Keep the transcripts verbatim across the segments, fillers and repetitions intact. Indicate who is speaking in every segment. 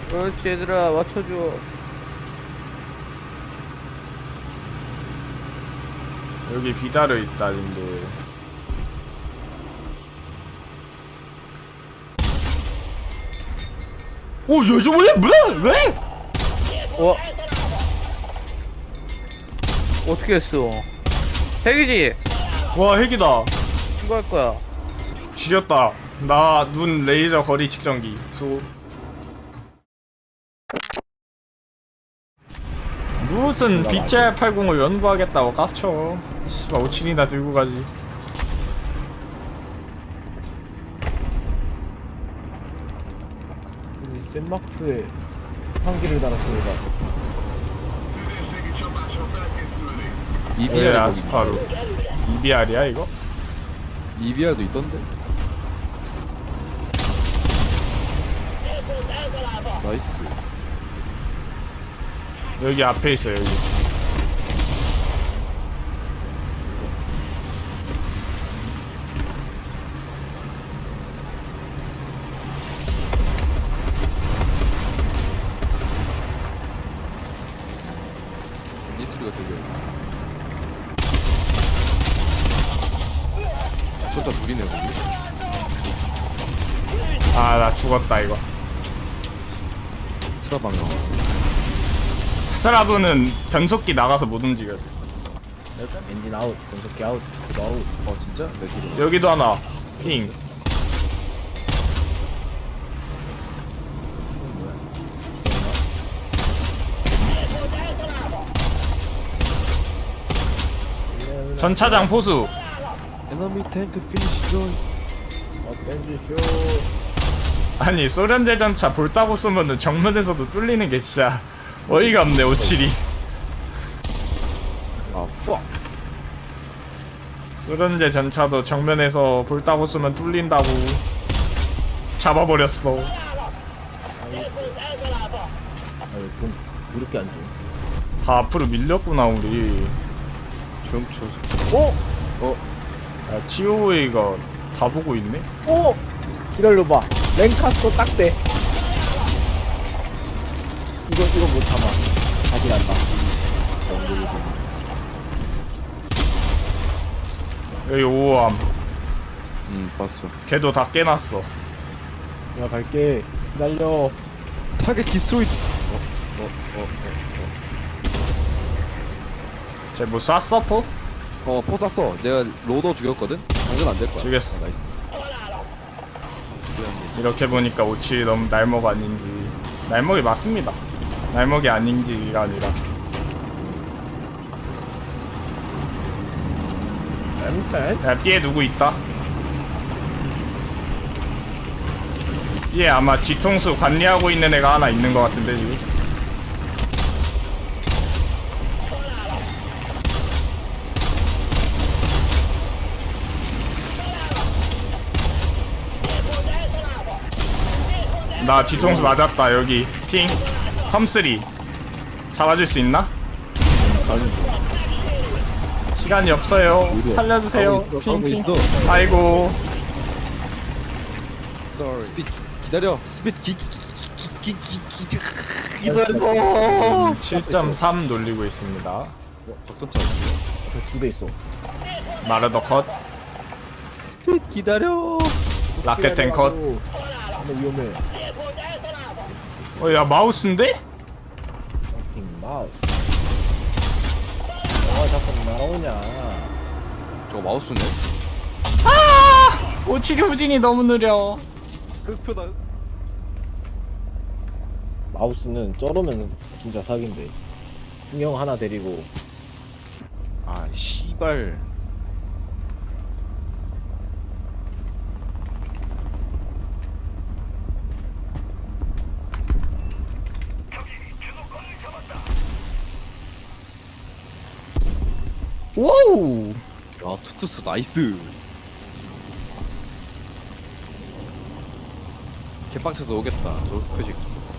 Speaker 1: 그렇지 얘들아 맞춰줘.
Speaker 2: 여기 비달려 있다 근데. 오 요즘 왜 왜? 왜?
Speaker 1: 어? 어떻게 했어? 핵이지?
Speaker 2: 와 핵이다.
Speaker 1: 신고할 거야.
Speaker 2: 지렸다. 나 눈 레이저 거리 측정기 수. 무슨 비티알 팔십을 연구하겠다고 깝쳐. 씨발 오칠이나 들고 가지.
Speaker 1: 센마크에 한기를 달았습니다.
Speaker 2: 왜
Speaker 3: 이비알
Speaker 2: 아스파루 이비알이야 이거?
Speaker 3: 이비알도 있던데. 나이스.
Speaker 2: 여기 앞에 있어 여기.
Speaker 3: 이 소리가 들려. 쏟다 둘이네 거기.
Speaker 2: 아 나 죽었다 이거.
Speaker 3: 트라방가.
Speaker 2: 스트라브는 변속기 나가서 못 움직여.
Speaker 1: 엔진 아웃, 변속기 아웃, 그거 아웃.
Speaker 3: 어 진짜? 내 뒤로.
Speaker 2: 여기도 하나. 핑. 전차장 포수.
Speaker 3: 에너미 탱크 피니시 존.
Speaker 1: 어텐지 쇼.
Speaker 2: 아니 소련제 전차 볼따고 쏘면은 정면에서도 뚫리는 게 진짜 어이가 없네 오칠이.
Speaker 3: 아 푸.
Speaker 2: 소련제 전차도 정면에서 볼따고 쏘면 뚫린다고 잡아버렸어.
Speaker 1: 아유 돈 이렇게 안 줘.
Speaker 2: 다 앞으로 밀렸구나 우리.
Speaker 3: 병초.
Speaker 1: 오!
Speaker 3: 어?
Speaker 2: 야, 티오에이가 다 보고 있네?
Speaker 1: 오! 기다려봐. 랭카스터 딱대. 이거 이거 못 참아. 다시 간다.
Speaker 2: 여기 오호함.
Speaker 3: 음 봤어.
Speaker 2: 걔도 다 깨놨어.
Speaker 1: 내가 갈게. 기다려.
Speaker 3: 타겟 디스트로이.
Speaker 2: 쟤 뭐 쐈어 포?
Speaker 3: 어포 쐈어. 내가 로더 죽였거든. 당근 안 될 거야.
Speaker 2: 죽였어.
Speaker 3: 어, 나이스.
Speaker 2: 이렇게 보니까 오칠이 너무 날먹 아닌지. 날먹이 맞습니다. 날먹이 아닌지가 아니라.
Speaker 1: 엠펜?
Speaker 2: 야 삐에 누구 있다? 삐에 아마 뒤통수 관리하고 있는 애가 하나 있는 것 같은데 지금. 나 뒤통수 맞았다. 여기 팅 컴쓰리 잡아줄 수 있나? 시간이 없어요. 살려주세요. 핑핑. 아이고.
Speaker 3: 스핏 기다려. 스핏 기기기기기 기다려.
Speaker 2: 칠 점 삼 돌리고 있습니다.
Speaker 3: 적던차.
Speaker 1: 두대 있어.
Speaker 2: 마르더 컷.
Speaker 3: 스핏 기다려.
Speaker 2: 라켓 탱 컷.
Speaker 1: 근데 위험해.
Speaker 2: 어, 야 마우스인데?
Speaker 1: 핑 마우스. 아 자꾸 날아오냐.
Speaker 3: 저거 마우스네.
Speaker 2: 아! 오칠이 후진이 너무 느려.
Speaker 3: 흑표다.
Speaker 1: 마우스는 쩔으면 진짜 사기인데. 분명 하나 데리고.
Speaker 3: 아 씨발.
Speaker 2: 와우.
Speaker 3: 야 투투스 나이스. 개빵쳐서 오겠다. 저 표식.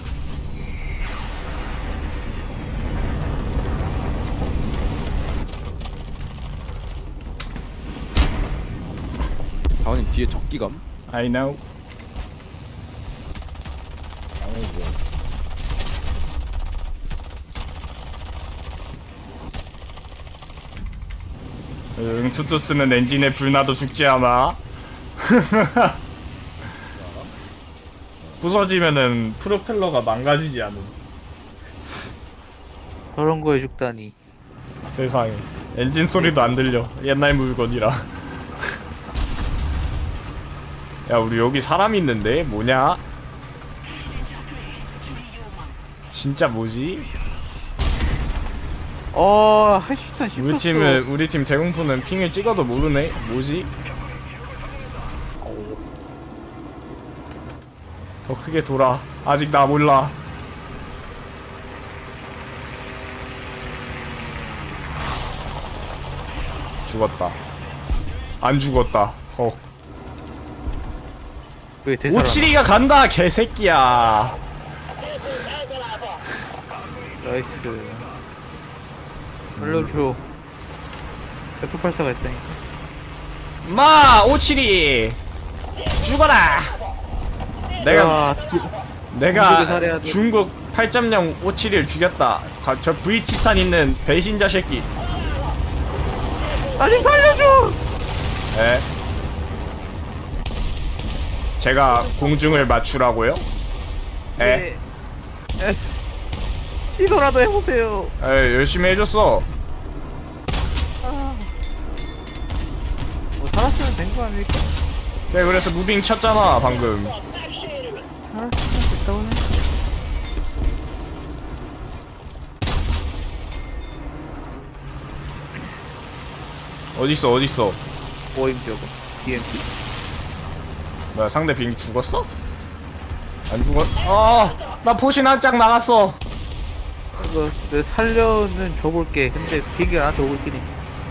Speaker 3: 다원님 뒤에 적기감.
Speaker 2: I know.
Speaker 1: 아니지.
Speaker 2: 응, 투투스는 엔진에 불나도 죽지 않아. 부서지면은 프로펠러가 망가지지 않음.
Speaker 4: 저런 거에 죽다니.
Speaker 2: 세상에. 엔진 소리도 안 들려. 옛날 물건이라. 야, 우리 여기 사람 있는데? 뭐냐? 진짜 뭐지?
Speaker 4: 어, 할 수 있다 싶었어.
Speaker 2: 우리 팀은, 우리 팀 대공포는 핑을 찍어도 모르네? 뭐지? 더 크게 돌아. 아직 나 몰라. 죽었다. 안 죽었다. 어.
Speaker 4: 왜 대사라?
Speaker 2: 오칠이가 간다, 개새끼야.
Speaker 4: 나이스. 알려줘. 에프 팔십사가 있다니까.
Speaker 2: 마, 오칠이 죽어라. 내가
Speaker 4: 야,
Speaker 2: 내가
Speaker 4: 중국에 살해야 돼.
Speaker 2: 중국 팔 점 영 오칠이를 죽였다. 가, 저 V 티탄 있는 배신자 새끼.
Speaker 4: 나 좀 살려줘.
Speaker 2: 에? 제가 공중을 맞추라고요? 에?
Speaker 4: 에. 에. 시도라도 해보세요.
Speaker 2: 에, 열심히 해줬어.
Speaker 4: 뭐 살았으면 된 거 아닐까?
Speaker 2: 네, 그래서 무빙 쳤잖아 방금.
Speaker 4: 살았으면 됐다고 해.
Speaker 2: 어딨어 어딨어.
Speaker 4: 모임 저거. 디엠피.
Speaker 2: 뭐야, 상대 비행기 죽었어? 안 죽었.. 아, 나 포신 한 짝 나갔어.
Speaker 4: 이거 내 살려는 줘볼게. 근데 비행기가 나한테 오고 있긴 해.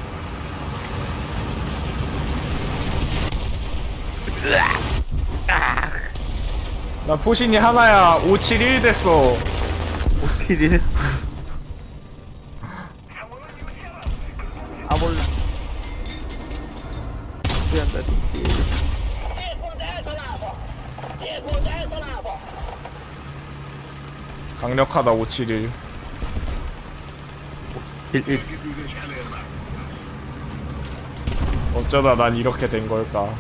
Speaker 2: 나 포신이 하나야. 오칠일 됐어.
Speaker 4: 오킬이래. 아 몰라. 미안다.
Speaker 2: 강력하다 오칠일.
Speaker 4: 일일.
Speaker 2: 어쩌다 난 이렇게 된 걸까.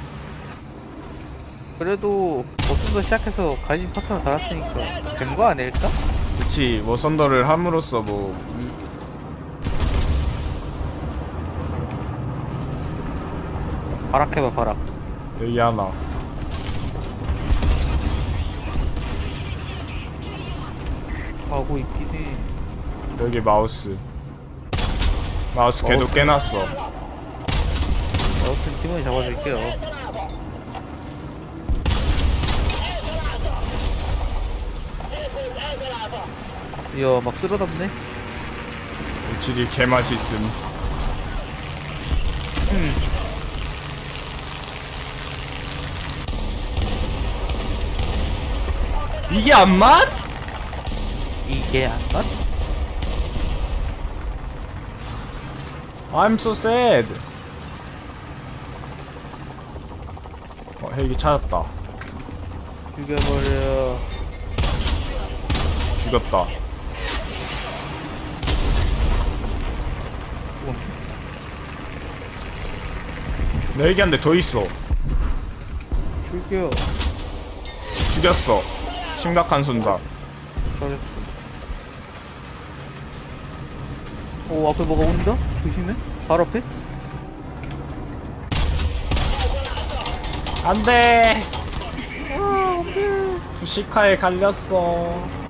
Speaker 4: 그래도 버튼도 시작해서 가진 파트너 달았으니까 된 거 아닐까?
Speaker 2: 그치, 뭐 썬더를 함으로써 뭐
Speaker 4: 바락해봐 바락.
Speaker 2: 여기 하나.
Speaker 4: 하고 있긴 해.
Speaker 2: 여기 마우스. 마우스 걔도
Speaker 4: 마우스.
Speaker 2: 깨놨어.
Speaker 4: 어쨌든 팀원이 잡아줄게요. 이야 막 쓸어담네.
Speaker 2: 오칠일 개맛있음.
Speaker 4: 음.
Speaker 2: 이게 안 맞?
Speaker 4: 이게 안 맞?
Speaker 2: I'm so sad. 어, 헬기 찾았다.
Speaker 4: 죽여버려.
Speaker 2: 죽였다.
Speaker 4: 음.
Speaker 2: 내 헬기 한 대 더 있어.
Speaker 4: 죽여.
Speaker 2: 죽였어. 심각한 손상.
Speaker 4: 잘했어. 오 앞에 뭐가 온다? 조심해. 바로 앞에?
Speaker 2: 안돼. 아, 안돼. 투시카에 갈렸어.